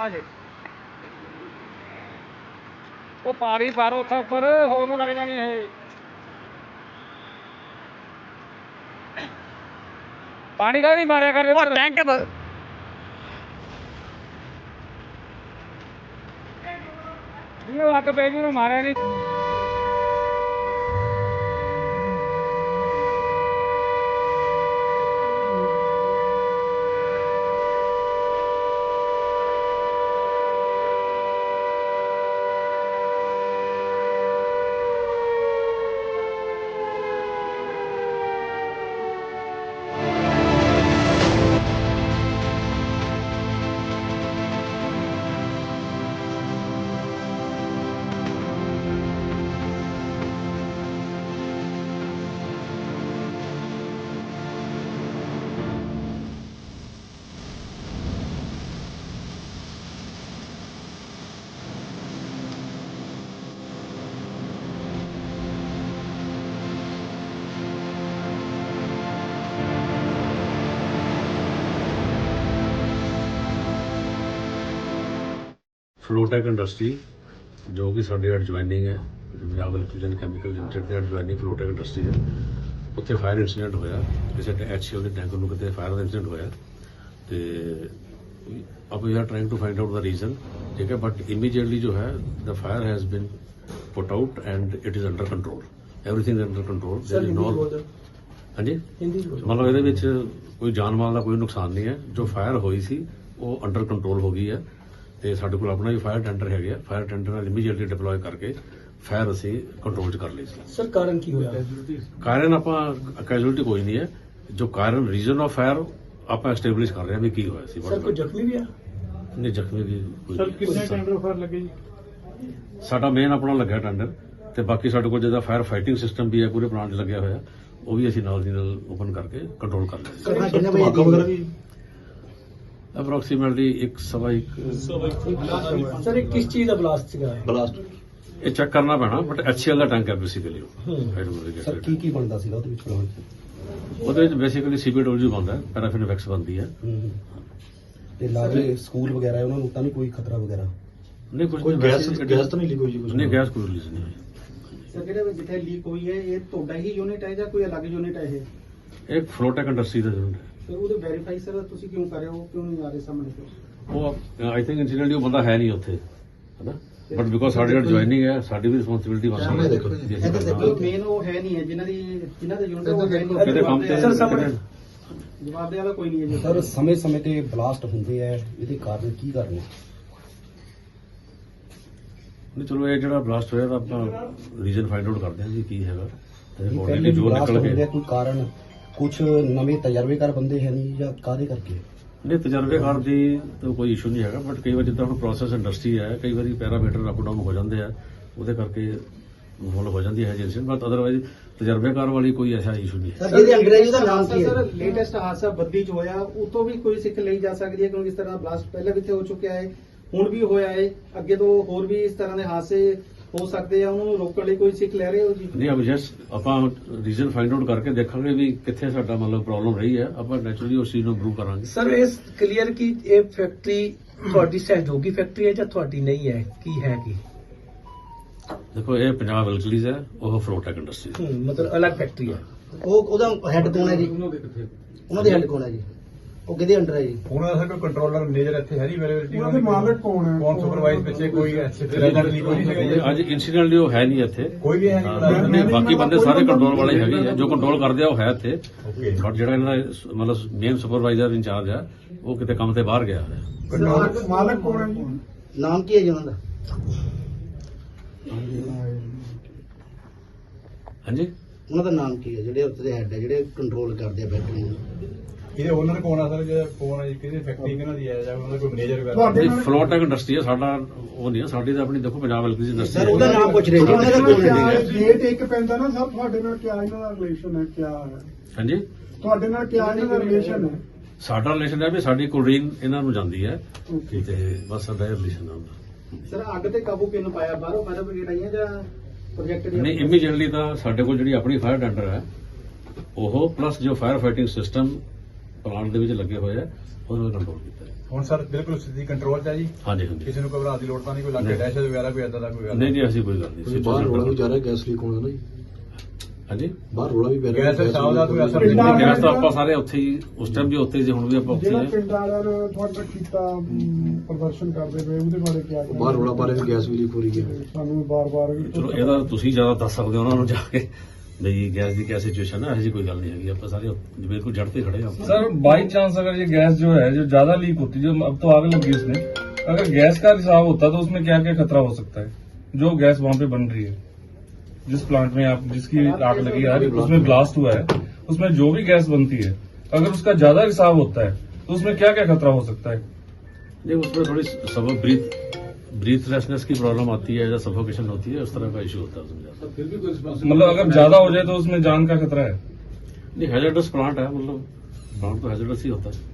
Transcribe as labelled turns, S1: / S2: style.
S1: ਜੇ ਉਹ ਪਾਰੀ ਪਰ ਉੱਥੇ ਉੱਪਰ ਹੋਰ ਨੂੰ ਲੱਗ ਜਾਣੀ ਇਹ ਪਾਣੀ ਕਾ ਨਹੀਂ ਮਾਰਿਆ ਕਰ ਟੈਂਕ ਇਹ ਅੱਗ ਪੈ ਗਈ ਨੂੰ ਮਾਰਿਆ ਨਹੀਂ
S2: ਫਲੋਟੈਕ ਇੰਡਸਟਰੀ ਜੋ ਕਿ ਸਾਡੇ ਐਡਜੁਆਇਨਿੰਗ ਹੈ ਪੰਜਾਬ ਇਲੈਕਟ੍ਰੀਕਲ ਕੈਮੀਕਲ ਲਿਮਟਿਡ ਦੇ ਐਡਜੁਆਇਨਿੰਗ ਫਲੋਟੈਕ ਇੰਡਸਟਰੀ ਹੈ। ਉੱਥੇ ਫਾਇਰ ਇੰਸੀਡੈਂਟ ਹੋਇਆ, ਕਿਸੇ HCL ਦੇ ਟੈਂਕਰ ਨੂੰ ਕਿਤੇ ਫਾਇਰ ਦਾ ਇੰਸੀਡੈਂਟ ਹੋਇਆ ਤੇ ਆਪਾਂ ਵੀ are trying to find out the reason, ਠੀਕ ਹੈ। ਬਟ ਇਮੀਡੀਏਟਲੀ ਜੋ ਹੈ the fire has been put out and it is under control, everything under control. ਹਾਂਜੀ, ਮਤਲਬ ਇਹਦੇ ਵਿੱਚ ਕੋਈ ਜਾਨ ਮਾਲ ਦਾ ਕੋਈ ਨੁਕਸਾਨ ਨਹੀਂ ਹੈ। ਜੋ ਫਾਇਰ ਹੋਈ ਸੀ ਉਹ ਅੰਡਰ ਕੰਟਰੋਲ ਹੋ ਗਈ ਹੈ ਤੇ ਸਾਡੇ ਕੋਲ ਆਪਣਾ ਵੀ ਫਾਇਰ ਟੈਂਡਰ ਹੈਗੇ ਆ। ਫਾਇਰ ਟੈਂਡਰ ਨਾਲ ਇਮੀਡੀਏਟਲੀ ਡਿਪਲੋਏ ਕਰਕੇ ਫਾਇਰ ਅਸੀਂ ਕੰਟਰੋਲ 'ਚ ਕਰ ਲਈ ਸੀ।
S3: ਸਰ ਕਾਰਨ ਕੀ ਹੋਇਆ?
S2: ਕਾਰਨ ਆਪਾਂ ਕੈਜੂਅਲਟੀ ਕੋਈ ਨਹੀਂ ਹੈ। ਜੋ ਕਾਰਨ ਰੀਜ਼ਨ ਆਫ ਫਾਇਰ ਆਪਾਂ ਐਸਟੈਬਲਿਸ਼ ਕਰ ਰਹੇ ਹਾਂ ਵੀ ਕੀ ਹੋਇਆ ਸੀ।
S3: ਸਰ ਕੋਈ ਜ਼ਖਮੀ ਵੀ ਆ?
S2: ਨਹੀਂ, ਜ਼ਖਮੀ ਵੀ ਕੋਈ
S1: ਸਰ ਕਿੰਨੇ ਟੈਂਡਰ ਫਾਇਰ ਲੱਗੇ ਜੀ?
S2: ਸਾਡਾ ਮੇਨ ਆਪਣਾ ਲੱਗਿਆ ਟੈਂਡਰ ਤੇ ਬਾਕੀ ਸਾਡੇ ਕੋਲ ਜਿਹਦਾ ਫਾਇਰ ਫਾਈਟਿੰਗ ਸਿਸਟਮ ਵੀ ਹੈ ਪੂਰੇ ਪਲਾਂਟ 'ਚ ਲੱਗਿਆ ਹੋਇਆ, ਉਹ ਵੀ ਅਸੀਂ ਨਾਲ ਦੀ ਨਾਲ ਓਪਨ ਕਰਕੇ ਕੰਟਰੋਲ ਕਰ ਲਿਆ। ਅਪਰੋਕਸੀਮੇਟਲੀ 1:15
S3: ਸਰ ਇਹ ਕਿਸ ਚੀਜ਼ ਦਾ ਬਲਾਸਟ ਸੀਗਾ?
S2: ਇਹ ਚੈੱਕ ਕਰਨਾ ਪੈਣਾ, ਬਟ HCL ਦਾ ਟੈਂਕ ਹੈ ਬੇਸਿਕਲੀ।
S3: ਸਰ ਕੀ ਬਣਦਾ ਸੀਗਾ ਉਹਦੇ ਵਿੱਚ ਪਲਾਂਟ 'ਚ?
S2: ਉਹਦੇ ਵਿੱਚ ਬੇਸਿਕਲੀ CPW ਬਣਦਾ ਹੈ, ਪੈਰਾਫਿਨ ਵੈਕਸ ਬਣਦੀ ਹੈ।
S3: ਤੇ ਲਾਗੇ ਸਕੂਲ ਵਗੈਰਾ ਉਹਨਾਂ ਨੂੰ ਤਾਂ ਨਹੀਂ ਕੋਈ ਖਤਰਾ ਵਗੈਰਾ?
S2: ਨਹੀਂ, ਕੁਝ
S4: ਗੈਸ ਤਾਂ ਨਹੀਂ ਲੀਕ ਹੋਈ ਜੀ?
S2: ਨਹੀਂ, ਗੈਸ ਕੋਈ ਰਿਲੀਜ਼ ਨਹੀਂ ਹੋਈ।
S5: ਸਰ ਜਿਹੜੇ ਜਿੱਥੇ ਲੀਕ ਹੋਈ ਹੈ ਇਹ ਤੁਹਾਡਾ ਹੀ ਯੂਨਿਟ ਹੈ ਜਾਂ ਕੋਈ ਅਲੱਗ ਯੂਨਿਟ ਹੈ ਇਹ?
S2: ਇਹ ਫਲੋਟੈਕ ਇੰਡਸਟਰੀ ਦਾ ਜ਼ਰੂਰ ਹੈ।
S5: ਫਿਰ ਉਹਦੇ ਵੈਰੀਫਾਈ ਸਰ ਤੁਸੀਂ ਕਿਉਂ ਕਰ ਰਹੇ ਹੋ, ਕਿਉਂ ਨਹੀਂ ਆ ਰਹੇ ਸਾਹਮਣੇ ਤੋਂ?
S2: ਉਹ ਆਈ ਥਿੰਕ ਇਨਸੀਡੈਂਟਲੀ ਉਹ ਬੰਦਾ ਹੈ ਨਹੀਂ ਉੱਥੇ, ਹੈਨਾ, ਬਟ ਬਿਕੋਜ਼ ਸਾਡੇ ਨਾਲ ਜੁਆਇਨਿੰਗ ਹੈ, ਸਾਡੀ ਵੀ ਰਿਸਪੌਂਸਿਬਿਲਿਟੀ ਬਣਦੀ ਹੈ।
S5: ਮੇਨ ਉਹ ਹੈ ਨਹੀਂ ਹੈ ਜਿਨ੍ਹਾਂ ਦਾ ਯੂਨਿਟ ਉਹ ਹੈ ਨਹੀਂ।
S2: ਕਿਤੇ ਕੰਮ ਤੇ
S3: ਸਰ ਸਾਹਮਣੇ
S5: ਜਵਾਬ ਦੇ ਵਾਲਾ ਕੋਈ ਨਹੀਂ ਹੈ ਜੀ।
S3: ਸਰ ਸਮੇਂ-ਸਮੇਂ ਤੇ ਬਲਾਸਟ ਹੁੰਦੇ ਆ, ਇਹਦੇ ਕਾਰਨ ਕੀ ਕਾਰਨ ਹੈ?
S2: ਨਹੀਂ, ਚਲੋ ਇਹ ਜਿਹੜਾ ਬਲਾਸਟ ਹੋਇਆ ਤਾਂ ਆਪਾਂ ਰੀਜ਼ਨ ਫਾਈਂਡ ਆਊਟ ਕਰਦੇ ਹਾਂ ਜੀ ਕੀ ਹੈਗਾ। ਤੇ
S3: ਪਹਿਲੇ
S2: ਬੋਡੀ ਜੋ
S3: ਬਲਾਸਟ
S2: ਨਿਕਲ
S3: ਹੁੰਦੇ
S2: ਕੇ
S3: ਆ, ਕੋਈ ਕਾਰਨ ਕੁਝ ਨਵੇਂ ਤਜਰਬੇਕਾਰ ਬੰਦੇ ਹੈ ਨਹੀਂ ਜਾਂ ਕਾਹਦੇ ਕਰਕੇ?
S2: ਨਹੀਂ, ਤਜਰਬੇਕਾਰ ਦੀ ਤਾਂ ਕੋਈ ਇਸ਼ੂ ਨਹੀਂ ਹੈਗਾ, ਬਟ ਕਈ ਵਾਰ ਜਿੱਦਾਂ ਹੁਣ ਪ੍ਰੋਸੈਸ ਇੰਡਸਟਰੀ ਹੈ, ਕਈ ਵਾਰੀ ਪੈਰਾਮੀਟਰ ਅਪ ਡਾਊਨ ਹੋ ਜਾਂਦੇ ਆ, ਉਹਦੇ ਕਰਕੇ ਮੁੱਲ ਹੋ ਜਾਂਦੀ ਹੈ ਏਜੰਸੀ, ਬਟ ਅਦਰਵਾਈਜ਼ ਤਜਰਬੇਕਾਰ ਵਾਲੀ ਕੋਈ ਐਸਾ ਇਸ਼ੂ ਨਹੀਂ ਹੈ।
S3: ਇਹਦੇ ਅੰਗਰੇਜ਼ੀ ਦਾ ਨਾਮ ਕੀ ਹੈ?
S5: ਸਰ ਲੇਟੈਸਟ ਹਾਦਸਾ ਬੱਦੀ ਚ ਹੋਇਆ, ਉਹ ਤੋਂ ਵੀ ਕੋਈ ਸਿੱਖ ਲਈ ਜਾ ਸਕਦੀ ਹੈ ਕਿਉਂਕਿ ਇਸ ਤਰ੍ਹਾਂ ਬਲਾਸਟ ਪਹਿਲਾਂ ਵੀ ਇੱਥੇ ਹੋ ਚੁੱਕਿਆ ਹੈ, ਹੁਣ ਵੀ ਹੋਇਆ ਹੈ, ਅੱਗੇ ਤੋਂ ਹੋਰ ਵੀ ਇਸ ਤਰ੍ਹਾਂ ਦੇ ਹਾਦਸੇ ਹੋ ਸਕਦੇ ਆ, ਉਹਨਾਂ ਨੂੰ ਰੋਕਣ ਲਈ ਕੋਈ ਸਿੱਖ ਲੈ ਰਹੇ ਹੋ ਜੀ?
S2: ਨਹੀਂ, ਅਬ ਜਸਟ ਆਪਾਂ ਰੀਜ਼ਨ ਫਾਈਂਡ ਆਊਟ ਕਰਕੇ ਦੇਖਾਂਗੇ ਵੀ ਕਿੱਥੇ ਸਾਡਾ ਮਤਲਬ ਪ੍ਰੋਬਲਮ ਰਹੀ ਹੈ, ਆਪਾਂ ਨੈਚੁਰਲੀ ਉਸ ਚੀਜ਼ ਨੂੰ ਇੰਪਰੂਵ ਕਰਾਂਗੇ।
S6: ਸਰ ਇਸ ਕਲੀਅਰ ਕਿ ਇਹ ਫੈਕਟਰੀ ਤੁਹਾਡੀ ਸਹਿਯੋਗੀ ਫੈਕਟਰੀ ਹੈ ਜਾਂ ਤੁਹਾਡੀ ਨਹੀਂ ਹੈ, ਕੀ ਹੈ ਕੀ?
S2: ਦੇਖੋ, ਇਹ ਪੰਜਾਬ ਇਲਕਲੀਜ਼ ਹੈ, ਉਹ ਫਲੋਟੈਕ ਇੰਡਸਟਰੀ
S6: ਮਤਲਬ ਅਲੱਗ ਫੈਕਟਰੀ ਹੈ।
S3: ਉਹਦਾ ਹੈੱਡ ਕੌਣ ਹੈ ਜੀ? ਉਹਨਾਂ ਦੇ ਹੈੱਡ ਕੌਣ ਹੈ ਜੀ? ਉਹ ਕਿਹਦੇ ਅੰਡਰ ਹੈ ਜੀ?
S4: ਉਹਨਾਂ ਦਾ ਕੋਈ ਕੰਟਰੋਲਰ ਮੈਨੇਜਰ ਇੱਥੇ ਹੈ ਨਹੀਂ ਅਵੇਲੇਬਿਲਿਟੀ?
S5: ਉਹਨਾਂ ਦੇ ਮਾਲਕ ਕੌਣ ਹੈ?
S4: ਕੌਣ ਸੁਪਰਵਾਈਜ਼ ਪਿੱਛੇ ਕੋਈ ਸਿਲੰਡਰ ਲੀਕ ਹੋਈ ਨਹੀਂ?
S2: ਅੱਜ ਇਨਸੀਡੈਂਟਲੀ ਉਹ ਹੈ ਨਹੀਂ ਇੱਥੇ,
S4: ਕੋਈ ਵੀ ਹੈ
S2: ਨਹੀਂ, ਬਾਕੀ ਬੰਦੇ ਸਾਰੇ ਕੰਟਰੋਲ ਵਾਲੇ ਹੈਗੇ ਆ, ਜੋ ਕੰਟਰੋਲ ਕਰਦੇ ਆ ਉਹ ਹੈ ਇੱਥੇ,
S4: ਓਕੇ।
S2: ਬਟ ਜਿਹੜਾ ਇਹਨਾਂ ਦਾ ਮਤਲਬ ਮੇਨ ਸੁਪਰਵਾਈਜ਼ਰ ਇੰਚਾਰਜ ਆ ਉਹ ਕਿਤੇ ਕੰਮ ਤੇ ਬਾਹਰ ਗਿਆ ਹੋਇਆ।
S5: ਮਾਲਕ ਕੌਣ ਹੈ ਜੀ?
S3: ਨਾਮ ਕੀ ਹੈ ਜੀ ਉਹਨਾਂ ਦਾ?
S2: ਹਾਂਜੀ,
S3: ਉਹਨਾਂ ਦਾ ਨਾਮ ਕੀ ਹੈ ਜਿਹੜੇ ਉੱਥੇ ਦੇ ਹੈੱਡ ਹੈ, ਜਿਹੜੇ ਕੰਟਰੋਲ ਕਰਦੇ ਆ ਫੈਕਟਰੀ ਨੂੰ?
S4: ਇਹਦੇ ਓਨਰ ਕੌਣ ਆ ਸਰ? ਜਿਹੜਾ ਕੌਣ ਹੈ, ਕਿਹਦੇ ਫੈਕਟਰੀ ਕਿਹਨਾਂ ਦੀ ਹੈ, ਜਾਂ ਉਹਨਾਂ ਦਾ ਕੋਈ ਮੈਨੇਜਰ ਵਗੈਰਾ?
S2: ਨਹੀਂ, ਫਲੋਟੈਕ ਇੰਡਸਟਰੀ ਹੈ, ਸਾਡਾ ਉਹ ਨਹੀਂ ਹੈ, ਸਾਡੀ ਤਾਂ ਆਪਣੀ ਦੇਖੋ ਪੰਜਾਬ ਇਲਕਲੀਜ਼ ਇੰਡਸਟਰੀ
S3: ਸਰ ਉਹਦਾ ਨਾਮ ਪੁੱਛ ਰਹੇ ਜੀ, ਉਹਨਾਂ ਦਾ ਕੌਣ ਹੈ?
S5: ਗੇਟ ਇੱਕ ਪੈਂਦਾ ਨਾ ਸਰ, ਤੁਹਾਡੇ ਨਾਲ ਕਿਆ ਇਹਨਾਂ ਦਾ ਰਿਲੇਸ਼ਨ ਹੈ, ਕਿਆ ਹੈ
S2: ਹਾਂਜੀ,
S5: ਤੁਹਾਡੇ ਨਾਲ ਕਿਆ ਇਹਨਾਂ ਦਾ ਰਿਲੇਸ਼ਨ ਹੈ?
S2: ਸਾਡਾ ਰਿਲੇਸ਼ਨ ਹੈ ਵੀ ਸਾਡੀ ਕੋਲਡ੍ਰਿੰਕ ਇਹਨਾਂ ਨੂੰ ਜਾਂਦੀ ਹੈ ਤੇ ਬਸ ਸਾਡਾ ਰਿਲੇਸ਼ਨ ਹੈ।
S5: ਸਰ ਅੱਗ ਤੇ ਕਾਬੂ ਕਿਉਂ ਪਾਇਆ? ਬਾਹਰੋਂ ਫਾਇਰ ਬ੍ਰਿਗੇਡ ਆਈਆਂ ਜਾਂ ਪ੍ਰੋਜੈਕਟ ਦੀ?
S2: ਨਹੀਂ, ਇਮੀਡੀਏਟਲੀ ਤਾਂ ਸਾਡੇ ਕੋਲ ਜਿਹੜੀ ਆਪਣੀ ਫਾਇਰ ਟੈਂਡਰ ਹੈ ਉਹ ਪਲੱਸ ਜੋ ਫਾਇਰ ਫਾਈਟਿੰਗ ਸਿਸਟਮ ਪਲਾਂਟ ਦੇ ਵਿੱਚ ਲੱਗੇ ਹੋਏ ਆ ਉਹਨਾਂ ਨੂੰ ਕੰਟਰੋਲ ਕੀਤਾ ਹੈ।
S4: ਹੁਣ ਸਰ ਬਿਲਕੁਲ ਸਥਿਤੀ ਕੰਟਰੋਲ 'ਚ ਹੈ ਜੀ,
S2: ਹਾਂਜੀ ਹਾਂਜੀ
S4: ਕਿਸੇ ਨੂੰ ਘਬਰਾਉਣ ਦੀ ਲੋੜ ਤਾਂ ਨਹੀਂ, ਕੋਈ ਲੱਗੇ
S2: ਨਹੀਂ।
S4: ਦਹਿਸ਼ਤ ਵਗੈਰਾ ਕੋਈ ਏਦਾਂ ਦਾ ਕੋਈ ਗੱਲ
S2: ਨਹੀਂ ਨਹੀਂ ਐਸੀ ਕੋਈ ਗੱਲ ਨਹੀਂ।
S7: ਬਾਹਰ ਰੋਲਾ ਵੀ ਜਾ ਰਿਹਾ ਗੈਸ ਲੀਕ ਹੋਣ ਦਾ ਨਾ ਜੀ,
S2: ਹਾਂਜੀ
S7: ਬਾਹਰ ਰੋਲਾ ਵੀ ਪੈ ਰਿਹਾ
S4: ਗੈਸ ਦੇ ਸਾਹ ਦਾ ਕੋਈ ਅਸਰ
S2: ਨਹੀਂ,
S4: ਨਹੀਂ
S2: ਗੈਸ ਤਾਂ ਆਪਾਂ ਸਾਰੇ ਉੱਥੇ ਹੀ ਉਸ ਟਾਈਮ ਵੀ ਉੱਥੇ ਸੀ, ਹੁਣ ਵੀ ਆਪਾਂ ਉੱਥੇ
S8: ਜਿਹੜਾ
S2: ਹੀ ਹਾਂ।
S8: ਪਿੰਡ ਵਾਲਿਆਂ ਨੇ ਤੁਹਾਡਾ ਕੀਤਾ ਪ੍ਰਦਰਸ਼ਨ ਕਰਦੇ ਪਏ ਉਹਦੇ ਬਾਰੇ ਕੀ ਕਹਿਣਾ?
S7: ਬਾਹਰ ਰੋਲਾ ਪਾ ਰਿਹਾ ਵੀ ਗੈਸ ਵੀ ਲੀਕ ਹੋ ਰਹੀ ਹੈ।
S8: ਸਾਨੂੰ ਬਾਰ-ਬਾਰ
S2: ਚਲੋ ਇਹਦਾ ਤੁਸੀਂ ਜ਼ਿਆਦਾ ਦੱਸ ਸਕਦੇ ਹੋ ਉਹਨਾਂ ਨੂੰ ਜਾ ਕੇ ਵੀ ਗੈਸ ਦੀ ਕਿਆ ਸਿਚੁਏਸ਼ਨ ਹੈ। ਇਹੋ ਜਿਹੀ ਕੋਈ ਗੱਲ ਨਹੀਂ ਹੈਗੀ, ਆਪਾਂ ਸਾਰੇ ਬਿਲकुल जड़ पे खड़े हैं।
S1: सर बाई चांस अगर ये गैस जो है जो ज्यादा लीक होती है, जो अब तो आग लगी इसमें, अगर गैस का रिसाव होता तो उसमें क्या क्या खतरा हो सकता है? जो गैस वहां पे बन रही है, जिस प्लांट में आप जिसकी आग लगी है उसमें ब्लास्ट हुआ है, उसमें जो भी गैस बनती है अगर उसका ज्यादा रिसाव होता है तो उसमें क्या क्या खतरा हो सकता है?
S2: नहीं, उसमें थोड़ी सब ब्रीथलेसनेस की प्रॉब्लम आती है या सफोकेशन होती है, उस तरह का इशू होता है उसमें ज्यादा।
S1: मतलब अगर ज्यादा हो जाए तो उसमें जान का खतरा है?
S2: नहीं, हैजर्डस प्लांट है, मतलब प्लांट तो हैजर्डस ही होता है।